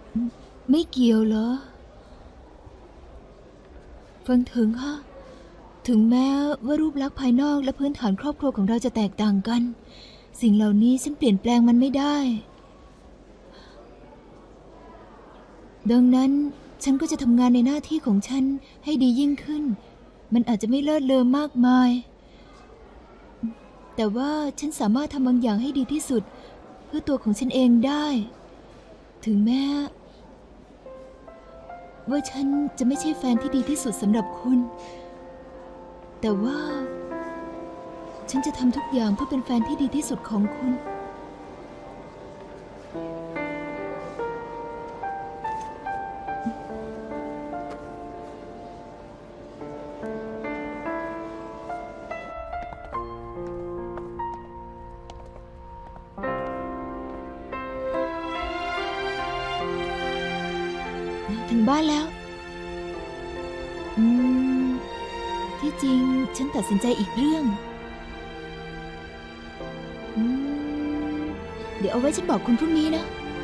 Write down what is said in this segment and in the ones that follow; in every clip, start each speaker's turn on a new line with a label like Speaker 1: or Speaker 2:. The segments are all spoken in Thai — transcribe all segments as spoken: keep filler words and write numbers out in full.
Speaker 1: ไม่เกี่ยวเหรอฟังถึงค่ะถึงแม้ว่ารูปลักษณ์ภายนอกและพื้นฐานครอบครัวของเราจะแตกต่างกันสิ่งเหล่านี้ฉันเปลี่ยนแปลงมันไม่ได้ดังนั้นฉันก็จะทำงานในหน้าที่ของฉันให้ดียิ่งขึ้นมันอาจจะไม่เลิศเลอมากมายแต่ว่าฉันสามารถทำบางอย่างให้ดีที่สุดเพื่อตัวของฉันเองได้ถึงแม้ว่าฉันจะไม่ใช่แฟนที่ดีที่สุดสำหรับคุณแต่ว่าฉันจะทำทุกอย่างเพื่อเป็นแฟนที่ดีที่สุดของคุณถึงบ้านแล้วอืมที่จริงฉันตัดสินใจอีกเรื่องอืมเดี๋ยวเอาไว้ฉันบอกคุณพรุ่งนี้นะ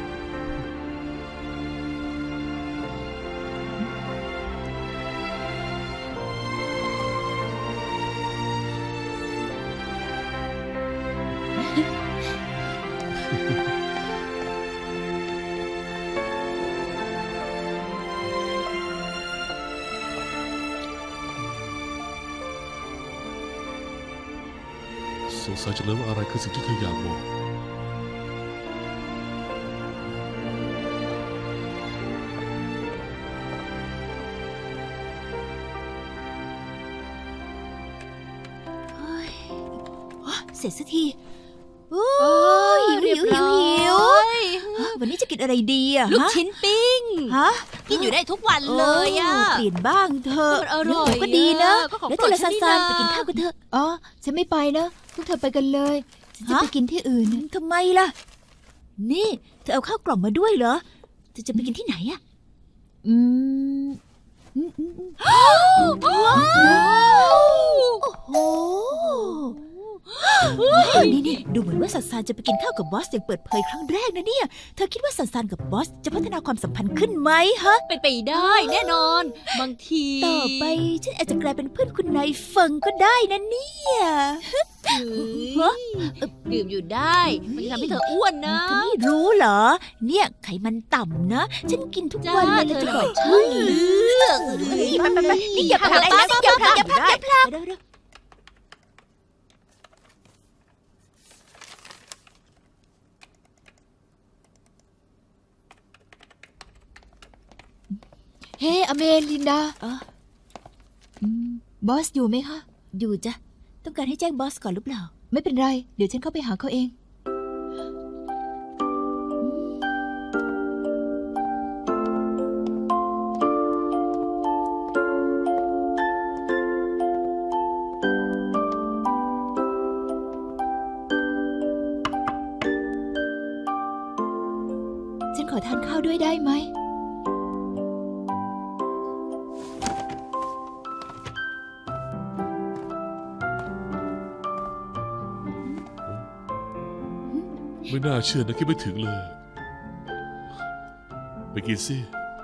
Speaker 2: สงสัยจังเลยว่าอะไรคือสิ่งที่เธออยากบอก
Speaker 3: เสร็จสักทีโอ้ยหิวหิวหิววันนี้จะกินอะไรดีอะ
Speaker 4: ลูกชิ้นปิ้ง
Speaker 3: ฮะ
Speaker 4: กินอยู่ได้ทุกวันเลยอะ
Speaker 3: เปลี่ยนบ้างเถอะ
Speaker 4: มันอร่อย
Speaker 3: ก็ดีนะ
Speaker 4: แล้ว
Speaker 3: เจลซานซานไปกินข้าวกันเถอะ
Speaker 1: อ๋อฉันไม่ไปนะพวกเธอไปกันเลยฉันจะไปกินที่อื่น
Speaker 3: ทำไมล่ะนี่เธอเอาข้าวกล่องมาด้วยเหรอเธอจะไปกินที่ไหนอะ
Speaker 1: อืม
Speaker 3: โอ้โหนี่นี่ดูเหมือนว่าซันซานจะไปกินข้าวกับบอสอย่างเปิดเผยครั้งแรกนะเนี่ยเธอคิดว่าซันซานกับบอสจะพัฒนาความสัมพันธ์ขึ้นไหมฮะ
Speaker 4: เป็นไปได้แน่นอนบางที
Speaker 3: ต่อไปฉันอาจจะกลายเป็นเพื่อนคุณนายเฟิงก็ได้นะเนี่ย
Speaker 4: ดื่มอยู่ได้มันจะทำให้เธออ้วนนะ
Speaker 3: เธอไม่รู้เหรอเนี่ยไขมันต่ำนะฉันกินทุกวันเลยจะบอกใช่
Speaker 4: เลือก
Speaker 3: ไปไปไปนี่อย่าพลาดนะอย่าพลาดอย่าพลาดอย่าพลาด
Speaker 1: เฮ้อเมลินดาบอสอยู่ไหมคะ
Speaker 3: อยู่จ้ะต้องการให้แจ้งบอสก่อนหรือเปล่า
Speaker 1: ไม่เป็นไรเดี๋ยวฉันเข้าไปหาเขาเองฉันขอทานข้าวด้วยได้ไหม
Speaker 2: ไม่น่าเชื่อนะคิดไม่ถึงเลยไปกินสิ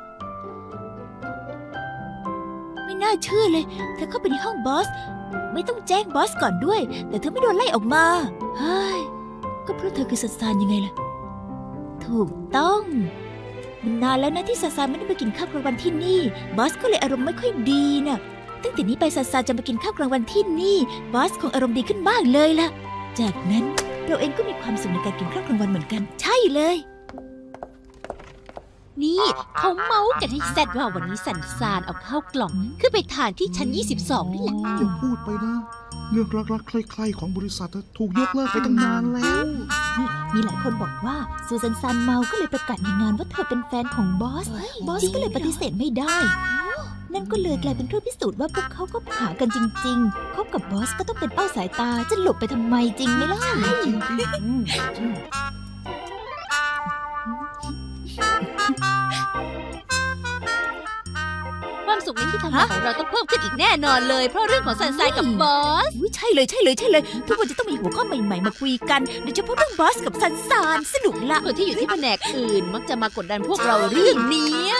Speaker 3: ไม่น่าเชื่อเลยเธอเข้าไปในห้องบอสไม่ต้องแจ้งบอสก่อนด้วยแต่เธอไม่โดนไล่ออกมาเฮ้ยก็เพราะเธอคือซันซานยังไงล่ะถูกต้องมันนานแล้วนะที่ซันซานไม่ได้ไปกินข้าวกลางวันที่นี่บอสก็เลยอารมณ์ไม่ค่อยดีน่ะตั้งแต่นี้ไปซันซานจะมากินข้าวกลางวันที่นี่บอสคงอารมณ์ดีขึ้นมากเลยล่ะจากนั้นเราเองก็มีความสุขในการกินข้าวกลางวันเหมือนกันใช่เลย
Speaker 4: นี่เขาเมาส์กันให้แซดว่าวันนี้สันซานเอาข้าวกล่องขึ้นไปทานที่ชั้นยี่สิบสองนี่แหละ
Speaker 5: อย่าพูดไปนะเรื่องรักๆใครๆของบริษัทถูกยกเลิกไปตั้งนานแล้ว
Speaker 1: นี่มีหลายคนบอกว่าซูซันซานเมาก็เลยประกาศในงานว่าเธอเป็นแฟนของบอสบอสก็เลยปฏิเสธไม่ได้นั่นก็เลยกลายเป็นเครื่องพิสูจน์ว่าพวกเขาก็หากันจริงๆคบกับบอสก็ต้องเป็นเป้าสายตาจะหลบไปทำไมจริงไหมล่ะ
Speaker 4: ความสุขศุกร์นี้ที่ทำงานของเราต้องเพิ่มขึ้นอีกแน่นอนเลย เพราะเรื่องของซันไซกับบอส
Speaker 3: อุ๊ยใช่เลยใช่เลยใช่เลย ทุกวันจะต้องมีหัวข้อใหม่ๆมาคุยกันโดยเฉพาะเรื่องบอสกับซันซานสนุกละ
Speaker 4: คนที่อยู่ที่แผนกอื่น มักจะมากดดันพวกเราเรื่องนี้